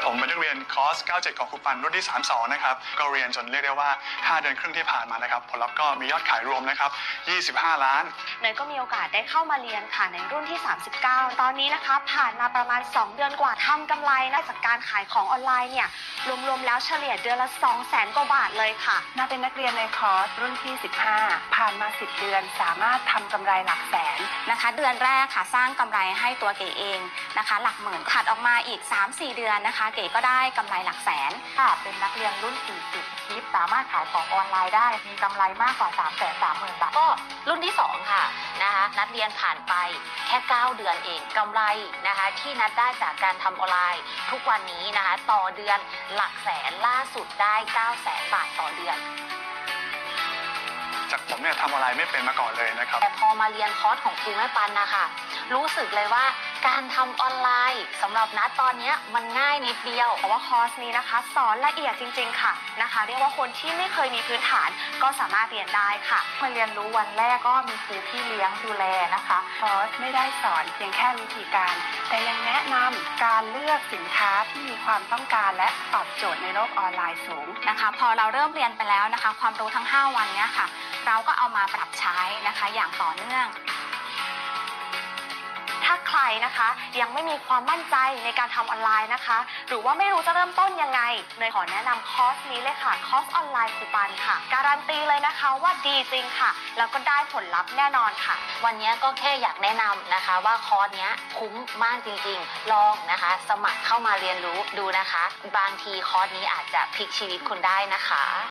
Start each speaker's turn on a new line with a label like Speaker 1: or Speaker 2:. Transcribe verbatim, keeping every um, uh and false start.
Speaker 1: ผมเป็นนักเรียนคอร์สเก้าสิบเจ็ดของครูปันรุ่นที่สามสิบสองนะครับก็เรียนจนเรียกได้ว่าห้าเดือนครึ่งที่ผ่านมานะครับผลลัพธ์ก็มียอดขายรวมนะครับยี่สิบห้าล้าน
Speaker 2: เนยก็มีโอกาสได้เข้ามาเรียนค่ะในรุ่นที่สามสิบเก้าตอนนี้นะคะผ่านมาประมาณสองเดือนกว่าทำกำไรนะจากการขายของออนไลน์เนี่ยรวมๆแล้วเฉลี่ยเดือนละ สองแสน กว่าบาทเลยค่ะ
Speaker 3: น่าเป็นนักเรียนในคอร์สรุ่นที่สิบห้าผ่านมาสิบเดือนสามารถทำกำไรหลักแสน
Speaker 4: นะคะเดือนแรกค่ะสร้างกำไรให้ตัวเก๋เองนะคะหลักหมื่นถัดออกมาอีก สามสี่ เดือนนะคะเก๋ก็ได้กำไรหลักแสน
Speaker 5: ค่ะเป็นนักเรียนรุ่นสี่สิบคิดสามารถขายของออนไลน์ได้มีกำไรมากกว่า สามแสนสามหมื่น บาท
Speaker 6: ก็รุ่นที่สองค่ะนะคะนัดเรียนผ่านไปแค่เก้าเดือนเองกำไรนะคะที่นัดได้จากการทำออนไลน์ทุกวันนี้นะคะต่อเดือนหลักแสนล่าสุดได้เก้าแสนบาทต่อเดือน
Speaker 1: จากผมเนี่ยทำออนไลน์ไม่เป็นมาก่อนเลยนะครับ
Speaker 6: แต่พอมาเรียนคอร์สของครูแม่ปันนะคะรู้สึกเลยว่าการทำออนไลน์สำหรับนัดตอนนี้มันง่ายนิดเดียว
Speaker 2: แต่ว่าคอร์สนี้นะคะสอนละเอียดจริงๆค่ะนะคะเรียกว่าคนที่ไม่เคยมีพื้นฐานก็สามารถเรียนได้ค่ะ
Speaker 5: มาเรียนรู้วันแรกก็มีครูพี่เลี้ยงดูแลนะคะ
Speaker 3: คอร์สไม่ได้สอนเพียงแค่วิธีการแต่ยังแนะนำการเลือกสินค้าที่มีความต้องการและตอบโจทย์ในโลกออนไลน์สูง
Speaker 4: นะคะพอเราเริ่มเรียนไปแล้วนะคะความรู้ทั้งห้าวันนี้ค่ะเราก็เอามาปรับใช้นะคะอย่างต่อเนื่อง
Speaker 2: ถ้าใครนะคะยังไม่มีความมั่นใจในการทำออนไลน์นะคะหรือว่าไม่รู้จะเริ่มต้นยังไงเนยขอแนะนำคอร์สนี้เลยค่ะคอร์สออนไลน์ครูปันค่ะการันตีเลยนะคะว่าดีจริงค่ะแล้วก็ได้ผลลัพธ์แน่นอนค่ะ
Speaker 6: วันนี้ก็แค่อยากแนะนำนะคะว่าคอร์สนี้คุ้มมากจริงๆลองนะคะสมัครเข้ามาเรียนรู้ดูนะคะบางทีคอร์สนี้อาจจะพลิกชีวิตคุณได้นะคะ